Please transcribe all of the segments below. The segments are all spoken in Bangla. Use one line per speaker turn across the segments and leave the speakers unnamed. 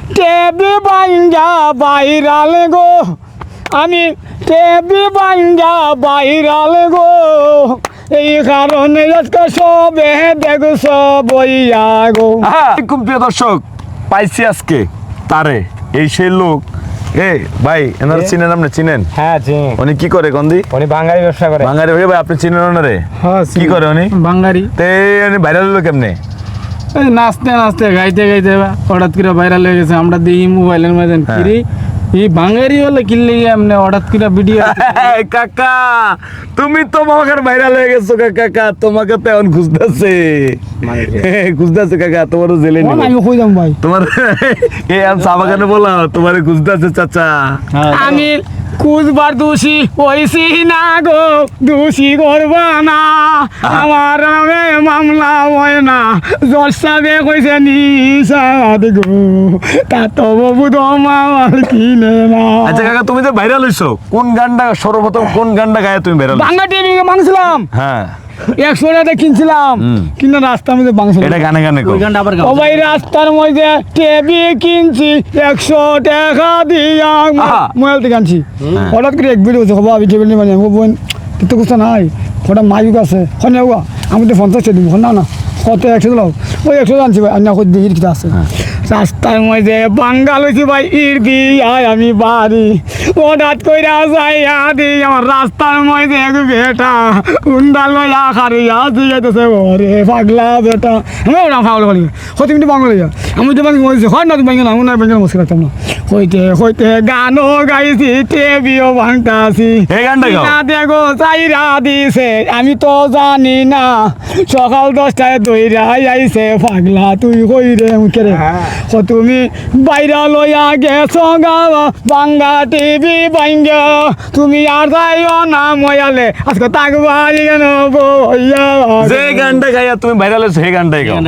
টেবি বাঞ্জা বাইরাল গো, আমি টেবি বাঞ্জা বাইরাল গো, এই কারণে আজকে সবে দেখছ বইয়া গো।
খুব প্রিয় দর্শক, পাইছি আজকে তারে, এই সেই লোক। এ ভাই, এনারা চিনেন? আপনি চিনেন?
হ্যাঁ চিনি।
উনি কি করে গন্দি?
উনি বাঙালি ব্যবসা করে।
বাঙালি ভাই, আপনি চিনেন ওনারে?
হ্যাঁ
কি করে উনি?
বাঙালি।
তে উনি ভাইরাল হলো কেমনে?
এই নাচতে নাচতে গাইতে গাইতে হঠাৎ করে ভাইরাল হয়ে গেছে। আমরা দেখি মোবাইলের মাঝে কিরি এই বাঙালি হলে কিনলে এমনি হঠাৎ করে ভিডিও।
কাকা, তুমি তো মামাকার ভাইরাল হয়ে গেছো কাকা, তোমাকে তো এখন খুঁজতেছে খুঁজতেছে কাকা, তোমারও জেলে নিব।
আমি কই যাম ভাই,
তোমার এই আম চা বাগানে বলা তোমারে খুঁজতেছে চাচা।
আমি কুচবার দোষী হইছি না গো, দোষী করবা না, আমার নামে মামলা হয় না, জসাবে কইছে নিশাদ গো, তা তো বাবু তোমার কিনে না।
আচ্ছা কাকা, তুমি যে ভাইরাল হইছো, কোন গানটা সর্বপ্রথম কোন গানটা গায়ে তুমি ভাইরাল?
বাংলা টিভি মাংছিলাম,
হ্যাঁ
100 টাকা কিনছিলাম, কিন্তু রাস্তার মধ্যে বাংছিলাম।
এটা গানে গানে কো।
ও ভাই, রাস্তার মধ্যে টিভি কিনছি 100 টাকা দিয়া, মোবাইল থেকে আনছি। হঠাৎ করে এক ভিডিও হচ্ছে, হবা আমি টেবিল নিয়ে মানে বোন তো কিছু নাই, ওটা মাইক আছে, হনে হওয়া আমি তো 50 টাকা দিব, না না কত 100 দিলাম, ওই 100 আনছি ভাই, অন্য কই দিই কিটা আছে। রাস্তার মধ্যে বাঙ্গাল হয়েছি ভাই, ইর দিয়াই আমি বাড়ি, হঠাৎ কইরা যাইয়া দিই আমার রাস্তার মধ্যে এক বেটা উন্ডা লইয়া খারিয়া দিয়েছে, ওরে পাগলা বেটা। আমি ওরা পাগল বলি হতে কিন্তু বাংলা লইয়া, আমি তো বাংলা বলছি, হয় না তুমি বাংলা, আমি না বাংলা মুশকিল রাখতাম না। হইতে হইতে গানও গাইছি, টেবিও ভাঙতাছি,
এই গানটা গাও।
না দেখো চাইরা দিছে, আমি তো জানি না, সকাল 10টায় দইরা আইছে, পাগলা তুই কই রে মুখে রে, তুমি বাইরা লইয়া গেছো গাওয়া বাংলা টিভি বাঙ্গা, তুমি আর যাইও না ময়ালে, আজকে তাকবাই কেন বইয়া।
যে গানটা গাইয়া তুমি ভাইরাল হইছো, সেই গানটাই গাও।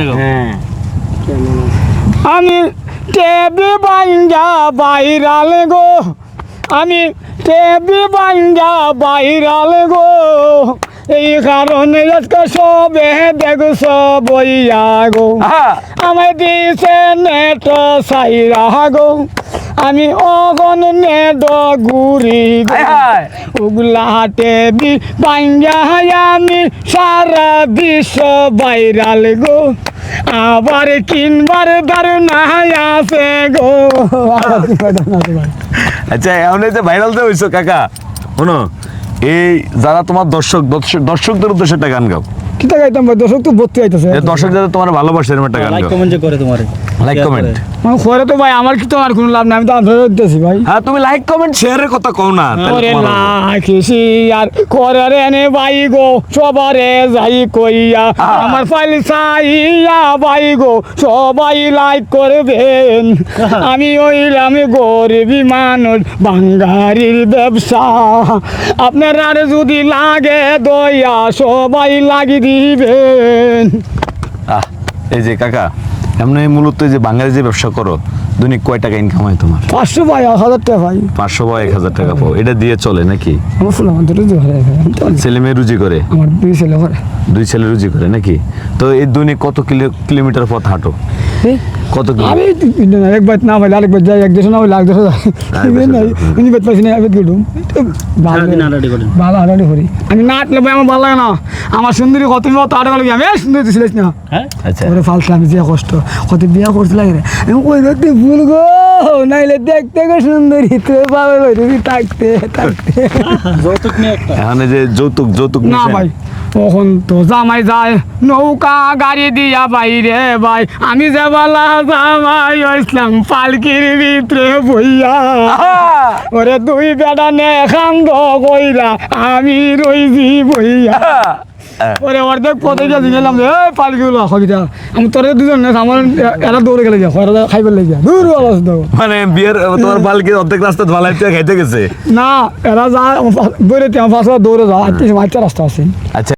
আমি টেবি বাঙ্গা বাইরাল গো, আমি টেবি বাঙ্গা বাইরাল গো, এই কারণে আজকে সবে দেখছ বইয়া গো। আমায় দিছে নেট সাইরা গো, আমি অগন নেট ঘুরি ওগুলা টেবি বাঙ্গা, আমি সারা বিশ্ব বাইরাল গো, আবার কিনবার ধারণা আছে গো।
আচ্ছা, এখন এই যে ভাইরাল যে হইছো কাকা, শোনো, এই যারা তোমার দর্শকদের উদ্দেশ্যে একটা গান গাও।
কিতা গাইতাম ভাই, দর্শক তো ভর্তি আইতাছে।
দর্শক যারা তোমার ভালোবাসে এরকম একটা গান গাও।
লাইক কমেন্ট যে করে তোমারে,
লাইক কমেন্ট
মানে করে তো ভাই, আমার কি তো আর কোনো লাভ নাই, আমি তো আন্ধারে দিতেছি ভাই।
হ্যাঁ, তুমি লাইক কমেন্ট শেয়ারের কথা কও না।
ওরে লাখিসি আর করে রে নে ভাই গো, সবারে যাই কইয়া, আমার ফাইল চাইয়া ভাই গো, সবাই লাইক করবেন, আমি হইলাম গরিবী মানুষ, বাঙালির ব্যবসা, আপনার আর যদি লাগে দয়া সবাই লাগি দিবেন।
এই যে কাকা, এমনি মূলত এই যে বাঙালি যে ব্যবসা করো, দৈনিক কয় টাকা ইনকাম হয় তোমার?
500 ভাই, 1000 টাকা ভাই।
500 বা 1000 টাকা পাও, এটা দিয়ে চলে নাকি?
আমার ফুল আমার দুটো ঘরে ভাই,
ছেলে মেয়ে রুজি করে?
আমার 2 ছেলে ঘরে।
2 ছেলে রুজি করে নাকি? তো এই দৈনিক কত কিলোমিটার পথ হাঁটো? কত
আমি একবার না ভাই, আরেকবার যাই, 1-200 না হলে 1-200 যাই, উনি বেত পাইছি না, বেত গেলুম ভালো হাঁটাহাঁটি করি। আমি না হাঁটলে ভাই আমার ভালো লাগে না, আমার সুন্দরী কত মত হাঁটা গেল, আমি সুন্দরী ছিলিস না।
আচ্ছা,
ওরে ফালছে, আমি যে কষ্ট কত বিয়া করতে লাগে রে, আমি ওই দেখতে ভুল গো, নাইলে দেখতে গো সুন্দরী, তুই পাবে তুমি থাকতে থাকতে।
যৌতুক নিয়ে একটা,
এখন এই যে যৌতুক
না ভাই, তখন তো জামাই যায় নৌকা গাড়ি দিয়া বাইরে ভাই, আমি যে বলা জামাই ইসলাম পালকির ভিতরে বইয়া, ওরে 2 বেটা নে খান্দ কইরা, আমি রইছি বইয়া। ওরে অর্ধেক পথে গেছি, গেলাম যে পালকিগুলো হবিটা, আমি তোর 2জন আমার এরা দৌড়ে গেলে যা খাইবার লেগে দূর অবস্থা।
মানে বিয়ের তোমার পালকি অর্ধেক রাস্তা ধোয়ালাইতে খাইতে গেছে
না, এরা যা দৌড়ে আমার 5 দৌড়ে যাওয়া, 8 রাস্তা আছে।
আচ্ছা।